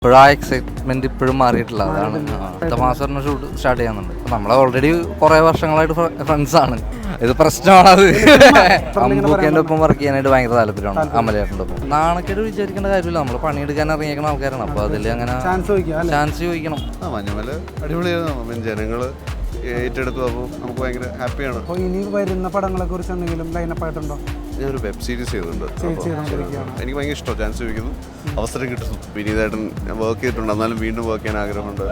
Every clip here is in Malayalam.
ഇപ്പോഴും ആ എക്സൈറ്റ്മെന്റ് ഇപ്പോഴും മാറിയിട്ടില്ല. അതാണ് അടുത്ത മാസം തന്നെ ഷൂട്ട് സ്റ്റാർട്ട് ചെയ്യുന്നുണ്ട്. നമ്മൾ ഓൾറെഡി കുറെ വർഷങ്ങളായിട്ട് ഫ്രണ്ട്സ് ആണ്. ഇത് പ്രശ്നമാണത്. അമ്പൂക്കേൻ്റെ ഒപ്പം വർക്ക് ചെയ്യാനായിട്ട് ഭയങ്കര താല്പര്യമാണ്. അമലേട്ടൻ്റെ ഒപ്പം നാണക്കേട് വിചാരിക്കേണ്ട കാര്യമില്ല. നമ്മൾ പണിയെടുക്കാൻ ഇറങ്ങിയേക്കുന്ന ആൾക്കാരാണ്. അപ്പോൾ അതിൽ അങ്ങനെ ചാൻസ് ചോദിക്കണം. മഞ്ഞുമല അടിപൊളിയായിരുന്നു. ജനങ്ങൾ ഏറ്റെടുത്തു. അപ്പോൾ നമുക്ക് ഭയങ്കര ഹാപ്പിയാണ്. അപ്പോൾ ഇനി വരുന്ന പടങ്ങളെ കുറിച്ച് എന്തെങ്കിലും ലൈനപ്പ് ആയിട്ടുണ്ടോ? ഞാനൊരു വെബ് സീരീസ് ചെയ്തിട്ടുണ്ട്. എനിക്ക് ഭയങ്കര ഇഷ്ടമാണ്. ചാൻസ് ചോദിക്കുന്നു, അവസരം കിട്ടുന്നു. വിനീതായിട്ടും വർക്ക് ചെയ്തിട്ടുണ്ട്. എന്നാലും വീണ്ടും വർക്ക് ചെയ്യാൻ ആഗ്രഹമുണ്ട്.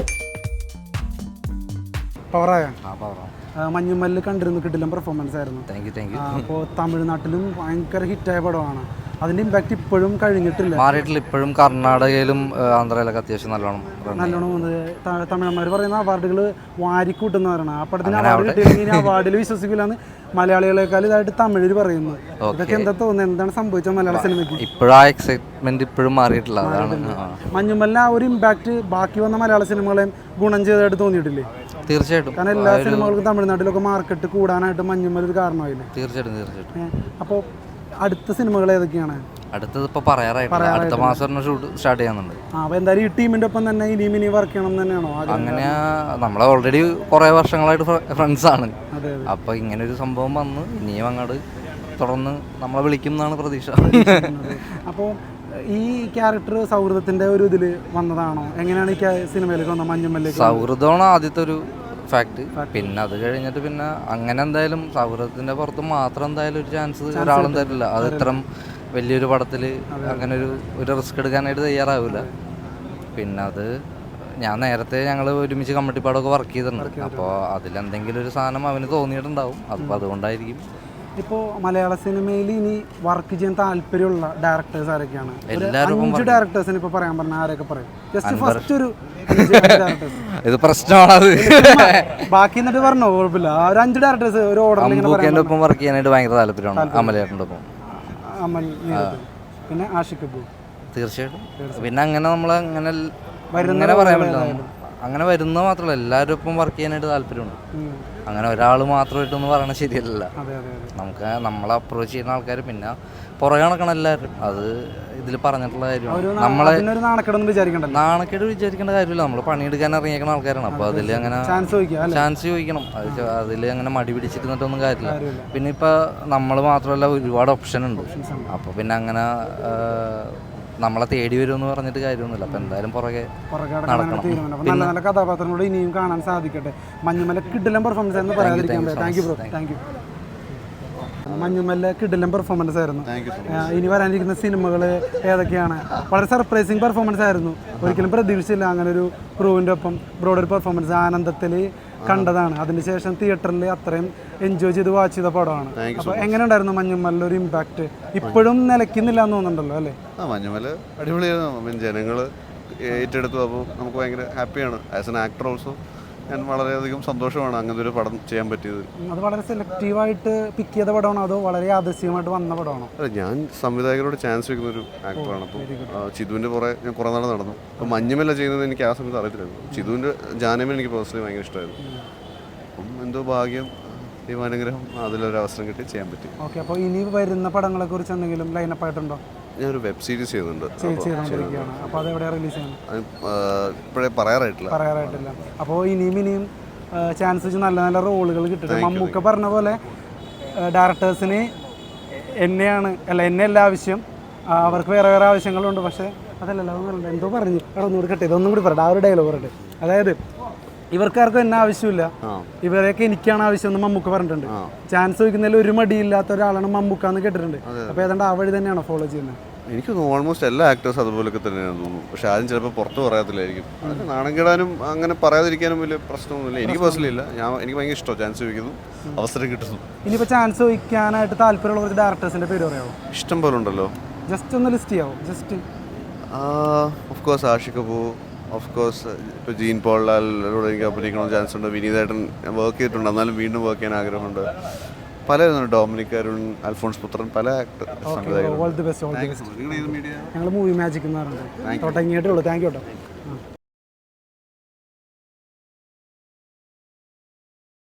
മഞ്ഞുമല്ലിൽ കണ്ടിരുന്നു, കിട്ടില്ല പെർഫോമൻസ് ആയിരുന്നു. അപ്പോൾ തമിഴ്നാട്ടിലും ഭയങ്കര ഹിറ്റായ പടമാണ്. അതിന്റെ ഇമ്പാക്ട് ഇപ്പോഴും കഴിഞ്ഞിട്ടില്ല, മാറിയിട്ടില്ല. ഇപ്പോഴും കർണാടകയിലും ആന്ധ്രയിലൊക്കെ അത്യാവശ്യം നല്ലോണം തമിഴന്മാർ പറയുന്ന അവാർഡുകൾ വാരിക്കൂട്ടുന്നവരാണ്. ആ പടത്തിന് അവാർഡ് കിട്ടിയില്ലെങ്കിൽ അവാർഡിൽ വിശ്വസിക്കില്ലെന്ന് മലയാളികളെക്കാൾ ഇതായിട്ട് തമിഴിൽ പറയുന്നു. ഇതൊക്കെ എന്താ തോന്നുന്നത്? എന്താണ് സംഭവിച്ചത് മലയാള സിനിമയ്ക്ക്? ഇപ്പോഴും ആ എക്സൈറ്റ്മെന്റ് ഇപ്പോഴും മാറിയിട്ടില്ല. മഞ്ഞുമല്ല ആ ഒരു ഇമ്പാക്ട് ബാക്കി വന്ന മലയാള സിനിമകളെയും ഗുണം ചെയ്തതായിട്ട് തോന്നിയിട്ടില്ലേ? തീർച്ചയായിട്ടും. കാരണം എല്ലാ സിനിമകൾക്കും തമിഴ്നാട്ടിലൊക്കെ മാർക്കറ്റ് കൂടാനായിട്ട് മഞ്ഞുമൽ ഒരു കാരണമായില്ലേ? തീർച്ചയായിട്ടും. അപ്പോൾ അടുത്ത സിനിമകൾ ഏതൊക്കെയാണ്? അടുത്തത് ഇപ്പോൾ പറയാറായിട്ടില്ല. അടുത്ത മാസം തന്നെ ഷൂട്ട് സ്റ്റാർട്ട് ചെയ്യുന്നുണ്ട്. അപ്പോൾ എന്തായാലും ഈ ടീമിന്റെ ഒപ്പം തന്നെ ഇനി വർക്ക് ചെയ്യണം തന്നെയാണോ? അങ്ങനെ നമ്മൾ ഓൾറെഡി കുറെ വർഷങ്ങളായിട്ട് ഫ്രണ്ട്സ് ആണ്. അപ്പോൾ ഇങ്ങനെ ഒരു സംഭവം വന്ന് ഇനിയും അങ്ങോട്ട് തുടർന്ന് നമ്മളെ വിളിക്കും എന്നാണ് പ്രതീക്ഷ. അപ്പോൾ ഈ ക്യാരക്ടർ സൗഹൃദത്തിന്റെ ഒരു ഇതിൽ വന്നതാണോ? എങ്ങനെയാണ് ഈ സിനിമയിലേക്ക് വന്നത്? മഞ്ഞുമല്ലേക്ക് സൗഹൃദമാണ് ആദ്യത്തെ ഒരു ഫാക്ട്. പിന്നെ അത് കഴിഞ്ഞിട്ട് പിന്നെ അങ്ങനെ എന്തായാലും സൗഹൃദത്തിന്റെ പുറത്ത് മാത്രം എന്തായാലും ഒരു ചാൻസ് ഒരാളും തരില്ല. അത് ഇത്രയും വലിയൊരു പടത്തിൽ അങ്ങനെ ഒരു റിസ്ക് എടുക്കാനായിട്ട് തയ്യാറാവില്ല. പിന്നെ അത് നേരത്തെ ഞങ്ങൾ ഒരുമിച്ച് കമ്മിറ്റിപ്പാടൊക്കെ വർക്ക് ചെയ്തിട്ടുണ്ട്. അപ്പോൾ അതിലെന്തെങ്കിലും ഒരു സാധനം അവന് തോന്നിയിട്ടുണ്ടാവും. അപ്പോൾ അതുകൊണ്ടായിരിക്കും. ഇപ്പോൾ മലയാള സിനിമയിൽ ഇനി വർക്ക് ചെയ്യാൻ താല്പര്യമുള്ള ഡയറക്ടേഴ്സ് ആരൊക്കെയാണ്? 5 ഡയറക്ടേഴ്സിന് ഇപ്പോൾ പറയാൻ പറഞ്ഞാൽ ആരൊക്കെ പറയും? ജസ്റ്റ് ഫസ്റ്റ് ഒരു ഇത് പ്രശ്നമാണത്. ബാക്കി എന്നിട്ട് പറഞ്ഞോ, കുഴപ്പമില്ല. ഒരു 5 ഡയറക്ടേഴ്സ് ഒരു ഓർഡറിൽ ഒപ്പം വർക്ക് ചെയ്യാനായിട്ട് ഭയങ്കര താല്പര്യമാണ്. അമലേട്ടൻ്റെ ഒപ്പം അമൽ, പിന്നെ ആഷിഖ് കപൂർ. തീർച്ചയായിട്ടും. പിന്നെ അങ്ങനെ നമ്മൾ അങ്ങനെ പറയാൻ പറ്റില്ല. അങ്ങനെ വരുന്നത് മാത്രമല്ല, എല്ലാവരും ഒപ്പം വർക്ക് ചെയ്യാനായിട്ട് താല്പര്യമുണ്ട്. അങ്ങനെ ഒരാൾ മാത്രമായിട്ടൊന്നും പറയണത് ശരിയല്ല. നമുക്ക് നമ്മളെ അപ്രോച്ച് ചെയ്യുന്ന ആൾക്കാർ പിന്നെ പുറകെ നടക്കണം എല്ലാവരും. അത് ഇതിൽ പറഞ്ഞിട്ടുള്ള കാര്യമാണ്. നമ്മളെ നാണക്കേട് വിചാരിക്കേണ്ട കാര്യമില്ല. നമ്മൾ പണിയെടുക്കാൻ ഇറങ്ങിയേക്കുന്ന ആൾക്കാരാണ്. അപ്പോൾ അതിൽ അങ്ങനെ ചാൻസ് ചോദിക്കണം. അതിൽ അങ്ങനെ മടി പിടിച്ചിരുന്നിട്ടൊന്നും കാര്യമില്ല. പിന്നെ ഇപ്പോൾ നമ്മൾ മാത്രമല്ല, ഒരുപാട് ഓപ്ഷൻ ഉണ്ട്. അപ്പോൾ പിന്നെ അങ്ങനെ നമ്മളെ തേടി വരുമെന്ന് പറഞ്ഞിട്ട് കാര്യമൊന്നുമില്ല. അപ്പം എന്തായാലും പുറകെ നടക്കണം. നല്ല നല്ല കഥാപാത്രങ്ങളോട് ഇനിയും കാണാൻ സാധിക്കട്ടെ. മഞ്ഞുമല കിടിലൻ പെർഫോമൻസ് ആയിരുന്നു, പറയാതിരിക്കാൻ പറ്റില്ല. Thank you. മഞ്ഞുമല കിടിലൻ പെർഫോമൻസ് ആയിരുന്നു. ഇനി വരാനിരിക്കുന്ന സിനിമകൾ ഏതൊക്കെയാണ്? വളരെ സർപ്രൈസിങ് പെർഫോമൻസ് ആയിരുന്നു. ഒരിക്കലും പ്രതീക്ഷിച്ചില്ല അങ്ങനെ ഒരു ക്രൂവിൻ്റെ ഒപ്പം ബ്രോഡർ പെർഫോമൻസ്. ആനന്ദത്തിൽ കണ്ടതാണ്. അതിനുശേഷം തിയേറ്ററിൽ അത്രയും എൻജോയ് ചെയ്ത് വാച്ച് ചെയ്ത പടമാണ്. അപ്പോൾ എങ്ങനെ ഉണ്ടായിരുന്നു മഞ്ഞുമല ഒരു ഇമ്പാക്ട്? ഇപ്പോഴും നിലയ്ക്കുന്നില്ല എന്ന് തോന്നുന്നുണ്ടല്ലോ അല്ലേ? മഞ്ഞുമല അടിപൊളിയായിരുന്നു. ജനങ്ങൾ ഏറ്റെടുത്തു. അപ്പോൾ നമുക്ക് ഭയങ്കര ഹാപ്പിയാണ്. ആസ് എൻ ആക്ടർ ഓൾസോ ഞാൻ വളരെയധികം സന്തോഷമാണ് അങ്ങനത്തെ ഒരു പടം ചെയ്യാൻ പറ്റിയത്. അത് വളരെ സെലക്റ്റീവായിട്ട് പിക്ക് ചെയ്ത പടമാണോ അതോ വളരെ യാദൃശ്ചികമായിട്ട് വന്ന പടമാണോ? അല്ല, ഞാൻ സംവിധായകരോട് ചാൻസ് വെക്കുന്ന ഒരു ആക്ടറാണ്. അപ്പോൾ ചിതുവിൻ്റെ പുറകെ ഞാൻ കുറേ നാൾ നടന്നു. അപ്പോൾ മഞ്ഞുമല ചെയ്യുന്നത് എനിക്ക് ആ സമയത്ത് അറിയത്തില്ലായിരുന്നു. ചിതുവിൻ്റെ ജാനമൻ എനിക്ക് പേഴ്സണലി ഭയങ്കര ഇഷ്ടമായിരുന്നു. അപ്പം എന്തോ ഭാഗ്യം, ദൈവാനുഗ്രഹം, അതിലൊരു അവസരം കിട്ടി ചെയ്യാൻ പറ്റി. ഓക്കെ. അപ്പോൾ ഇനി വരുന്ന പടങ്ങളെ കുറിച്ച് എന്തെങ്കിലും ലൈനപ്പ് ആയിട്ടുണ്ടോ? ഞാനൊരു വെബ് സീരീസ് ചെയ്യുന്നുണ്ട്. അപ്പോൾ അത് എവിടെ റിലീസ് ചെയ്യണം? ഇപ്പോഴേ പറയാറായിട്ടില്ല. അപ്പോൾ ഇനിയും ചാൻസ് വെച്ച് നല്ല നല്ല റോളുകൾ കിട്ടട്ടെ. മമ്മൂക്ക പറഞ്ഞ പോലെ ഡയറക്ടേഴ്സിന് എന്നെയല്ല ആവശ്യം, അവർക്ക് വേറെ വേറെ ആവശ്യങ്ങളുണ്ട്. പക്ഷേ അതല്ലല്ലോ, എന്തോ പറഞ്ഞു ഒന്നുകൂടി കട്ടെ, ഇതൊന്നും കൂടി പറയട്ടെ. ആ ഒരു ഡയലോഗ് പറയട്ടെ. അതായത് ഇവർക്കാർക്കും എന്നെ ആവശ്യമില്ല, ഇവരെയൊക്കെ എനിക്കാണ് ആവശ്യം എന്ന് മമ്മൂക്ക പറഞ്ഞിട്ടുണ്ട്. ചാൻസ് ചോദിക്കുന്നതിൽ ഒരു മടിയില്ലാത്ത ഒരാളാണ് മമ്മൂക്ക എന്ന് കേട്ടിട്ടുണ്ട്. അപ്പോൾ ഏതാണ്ട് ആ വഴി തന്നെയാണോ ഫോളോ ചെയ്യുന്നത്? എനിക്ക് തോന്നുന്നു ഓൾമോസ്റ്റ് എല്ലാ ആക്ടേഴ്സും അതുപോലൊക്കെ തന്നെയാണ് തോന്നുന്നു. പക്ഷെ ആരും ചിലപ്പോൾ പുറത്ത് പറയത്തില്ലായിരിക്കും. അതൊക്കെ നാണം കെടാനും അങ്ങനെ പറയാതിരിക്കാനും വലിയ പ്രശ്നമൊന്നുമില്ല. എനിക്ക് പേഴ്സണലി ഇല്ല. എനിക്ക് ഭയങ്കര ഇഷ്ടമാണ്. ചാൻസ് ചോദിക്കുന്നു, അവസരം കിട്ടുന്നു. ഇനിയിപ്പോൾ ചാൻസ് ചോദിക്കാനായിട്ട് താല്പര്യമുള്ള കുറച്ച് ഡയറക്ടേഴ്സിൻ്റെ പേര് പറയാമോ? ഇഷ്ടം പോലെ ഉണ്ടല്ലോ. ജസ്റ്റ് ഒന്ന് ലിസ്റ്റ് ചെയ്യാമോ? Just of course Ashiq Kapoor, of course ഇപ്പോൾ ജീൻ പോൾ ലാലിനോട് എനിക്ക് അഭിനയിക്കണമെന്ന് ചാൻസ് ഉണ്ട്. വിനീതായിട്ടും വർക്ക് ചെയ്തിട്ടുണ്ട്. എന്നാലും വീണ്ടും വർക്ക് ചെയ്യാൻ ആഗ്രഹമുണ്ട്. പല ഡൊമിനിക് അരുൺ, അൽഫോൺസ് പുത്രൻ, പല സംവിധായകരും. ഞങ്ങൾ മൂവി മാജിക് എന്ന് പറഞ്ഞിട്ട് തുടങ്ങിയിട്ടേ ഉള്ളൂ. താങ്ക് യു കേട്ടോ.